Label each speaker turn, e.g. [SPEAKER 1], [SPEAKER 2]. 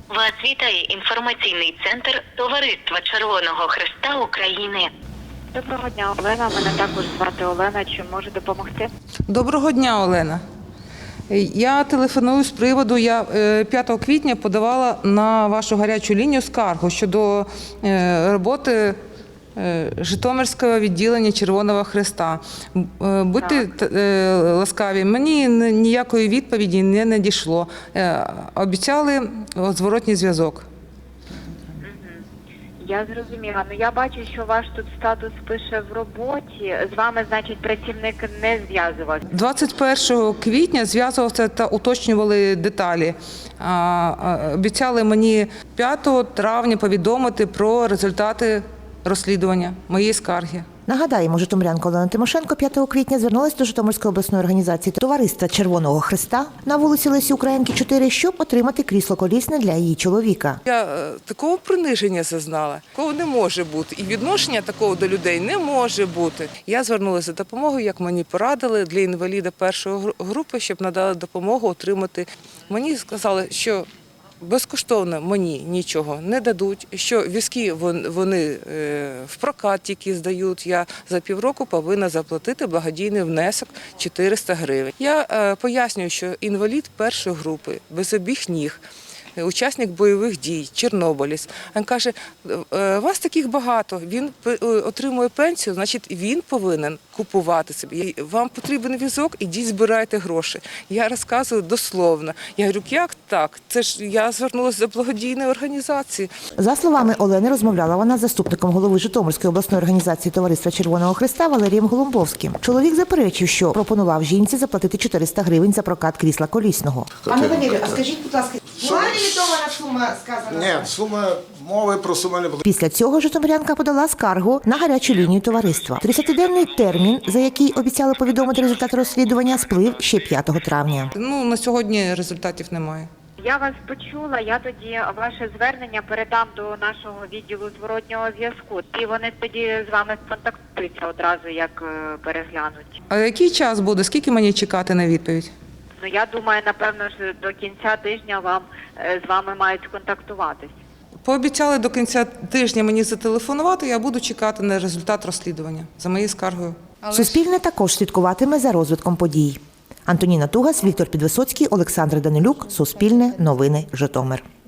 [SPEAKER 1] Вас вітає інформаційний центр Товариства Червоного Хреста України.
[SPEAKER 2] Доброго дня, Олена. Мене також звати Олена. Чи можу допомогти?
[SPEAKER 3] Доброго дня, Олена. Я телефоную з приводу, я 5 квітня подавала на вашу гарячу лінію скаргу щодо роботи Житомирського відділення Червоного Хреста. Будьте ласкаві, мені ніякої відповіді не надійшло. Обіцяли зворотній зв'язок.
[SPEAKER 2] Я зрозуміла. Ну, я бачу, що ваш тут статус пише в роботі. З вами, значить, працівник не зв'язувався.
[SPEAKER 3] 21 квітня зв'язувався та уточнювали деталі. Обіцяли мені 5 травня повідомити про результати розслідування моєї скарги.
[SPEAKER 4] Нагадаємо, житомирянка Олена Тимошенко 5 квітня звернулася до Житомирської обласної організації Товариства Червоного Хреста на вулиці Лесі Українки, 4, щоб отримати крісло колісне для її чоловіка.
[SPEAKER 3] Я такого приниження зазнала, такого не може бути. І відношення такого до людей не може бути. Я звернулася за допомогою, як мені порадили, для інваліда першої групи, щоб надали допомогу отримати. Мені сказали, що безкоштовно мені нічого не дадуть, що візки вони в прокат тільки здають. Я за півроку повинна заплатити благодійний внесок 400 гривень. Я пояснюю, що інвалід першої групи, без обох ніг, учасник бойових дій, чорнобилець. Він каже, вас таких багато, він отримує пенсію, значить він повинен купувати собі. Вам потрібен візок, ідіть збирайте гроші. Я розказую дословно. Я говорю, як так? Це ж я звернулася до благодійної організації.
[SPEAKER 4] За словами Олени, розмовляла вона з заступником голови Житомирської обласної організації Товариства Червоного Хреста Валерієм Голумбовським. Чоловік заперечив, що пропонував жінці заплатити 400 гривень за прокат крісла колісного.
[SPEAKER 5] Пане Валерію,
[SPEAKER 4] а скажіть, будь ласка, була лімітована сума сказана?
[SPEAKER 5] Ні, сума, мови про суму не було.
[SPEAKER 4] Після цього житомирянка подала скаргу на гарячу лінію товариства. 30-денний термін, за який обіцяли повідомити результати розслідування, сплив ще 5 травня.
[SPEAKER 3] На сьогодні результатів немає.
[SPEAKER 2] Я вас почула, я тоді ваше звернення передам до нашого відділу зворотнього зв'язку. І вони тоді з вами сконтактуються одразу, як переглянуть.
[SPEAKER 3] А який час буде? Скільки мені чекати на відповідь?
[SPEAKER 2] Ну, я думаю, напевно, що до кінця тижня з вами мають сконтактуватись.
[SPEAKER 3] Пообіцяли до кінця тижня мені зателефонувати, я буду чекати на результат розслідування за моєю скаргою.
[SPEAKER 4] Суспільне також слідкуватиме за розвитком подій. Антоніна Тугас, Віктор Підвисоцький, Олександр Данилюк, Суспільне, Новини, Житомир.